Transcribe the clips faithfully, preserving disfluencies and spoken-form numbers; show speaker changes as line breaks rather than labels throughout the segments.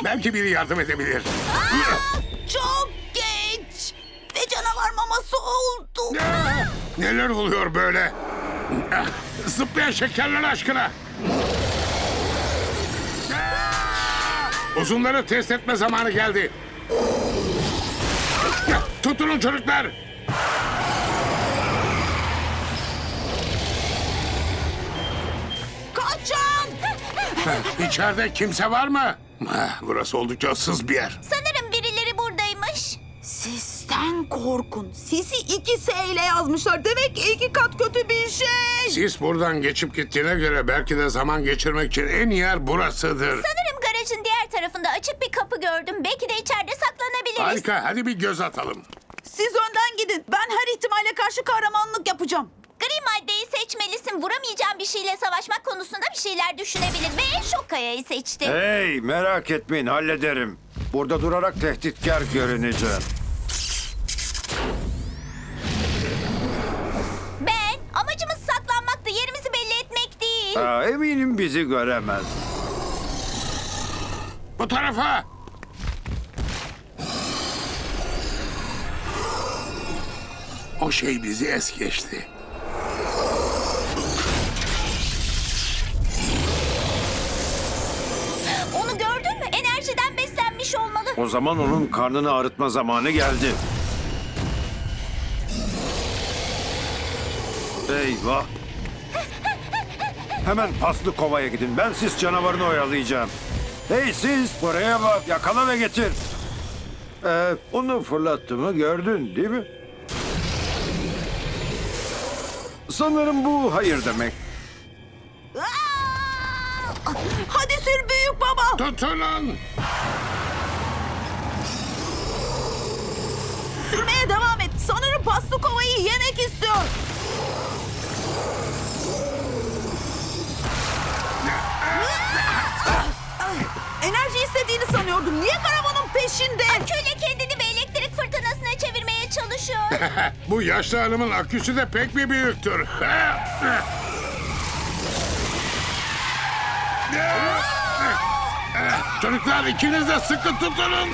Belki biri yardım edebilir.
Aa, çok geç. Ve canavar maması oldu.
Aa, neler oluyor böyle? Ah, Zıplayan şekerler aşkına. Aa, Uzunları test etme zamanı geldi. Tutunun çocuklar.
Kaçın.
İçeride kimse var mı? Ah, Burası oldukça ıssız bir yer.
Sanırım birileri buradaymış.
Sisten korkun. Sisi iki S ile yazmışlar. Demek ki iki kat kötü bir şey.
Sis buradan geçip gittiğine göre belki de zaman geçirmek için en iyi yer burasıdır.
Sanırım garajın diğer tarafında açık bir kapı gördüm. Belki de içeride saklanabiliriz.
Harika, hadi bir göz atalım.
Siz önden gidin. Ben her ihtimale karşı kahramanlık yapacağım.
Gri maddeyi seçmelisin. Vuramayacağın bir şeyle savaşmak konusunda bir şeyler düşünebilir. Ve şok kayayı seçti.
Hey, merak etmeyin, hallederim. Burada durarak tehditkar görüneceğim.
Ben, amacımız saklanmaktı. Yerimizi belli etmek değil.
Aa, eminim bizi göremez.
Bu tarafa. O şey bizi es geçti.
Onu gördün mü? Enerjiden beslenmiş olmalı.
O zaman onun karnını ağrıtma zamanı geldi. Eyvah! Hemen paslı kovaya gidin. Ben siz canavarını oyalayacağım. Hey siz, buraya bak. Yakala ve getir. Ee, onu fırlattığımı gördün değil mi? Sanırım bu hayır demek.
Aa! Hadi sür büyük baba.
Tutunun.
Sürmeye devam et. Sanırım paslı kovayı yemek istiyor. Enerji istediğini sanıyordum. Niye karavanın peşinde?
Köle kendini bir elektrik fırtınasına çevirmeye çalışıyor.
Bu yaşlı hanımın aküsü de pek bir büyüktür. Çocuklar ikiniz de sıkı tutunun.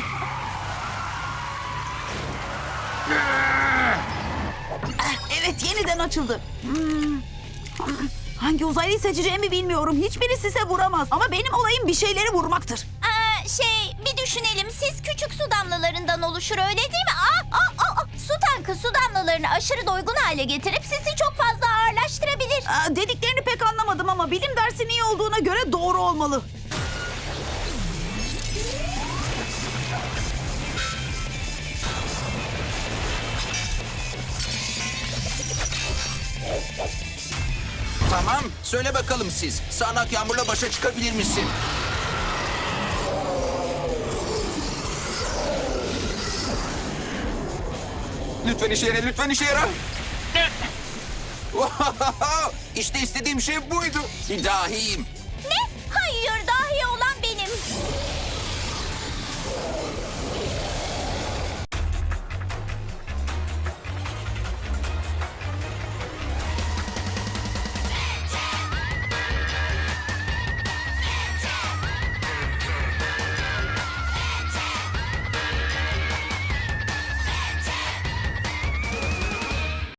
Evet, yeniden açıldı. Hmm. Hangi uzaylıyı seçeceğimi bilmiyorum. Hiçbiri size vuramaz. Ama benim olayım bir şeyleri vurmaktır.
Aa, şey, bir düşünelim. Siz küçük su damlalarından oluşur, öyle değil mi? Aa, aa, aa, aa. Su tankı su damlalarını aşırı doygun hale getirip sizi çok fazla ağırlaştırabilir.
Aa, dediklerini pek anlamadım ama bilim dersinin iyi olduğuna göre doğru olmalı.
Tamam, söyle bakalım siz. Sağanak yağmurla başa çıkabilir misin? Lütfen işe yara, lütfen işe yara. İşte istediğim şey buydu. Dahiyim.
Ne? Hayır, dahi